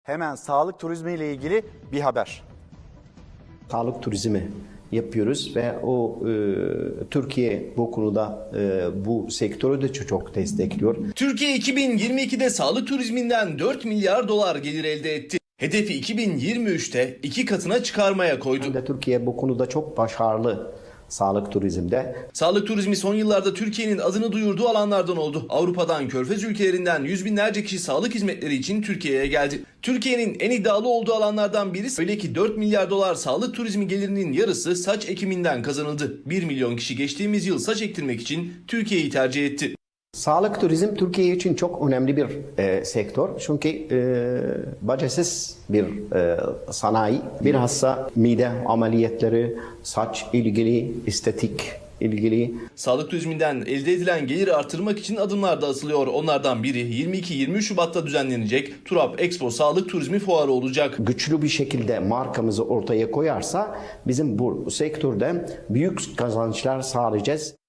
Hemen sağlık turizmi ile ilgili bir haber. Sağlık turizmi yapıyoruz ve Türkiye bu konuda bu sektörü de çok destekliyor. Türkiye 2022'de sağlık turizminden 4 milyar dolar gelir elde etti. Hedefi 2023'te 2 katına çıkarmaya koydu. Türkiye bu konuda çok başarılı sağlık turizmde. Sağlık turizmi son yıllarda Türkiye'nin adını duyurduğu alanlardan oldu. Avrupa'dan, Körfez ülkelerinden yüz binlerce kişi sağlık hizmetleri için Türkiye'ye geldi. Türkiye'nin en iddialı olduğu alanlardan birisi, öyle ki 4 milyar dolar sağlık turizmi gelirinin yarısı saç ekiminden kazanıldı. 1 milyon kişi geçtiğimiz yıl saç ektirmek için Türkiye'yi tercih etti. Sağlık turizm Türkiye için çok önemli bir sektör. Çünkü bacasız bir sanayi. Bilhassa mide ameliyatları, saç ilgili, estetik ilgili. Sağlık turizminden elde edilen geliri artırmak için adımlar da atılıyor. Onlardan biri 22-23 Şubat'ta düzenlenecek Turap Expo Sağlık Turizmi Fuarı olacak. Güçlü bir şekilde markamızı ortaya koyarsa bizim bu sektörde büyük kazançlar sağlayacağız.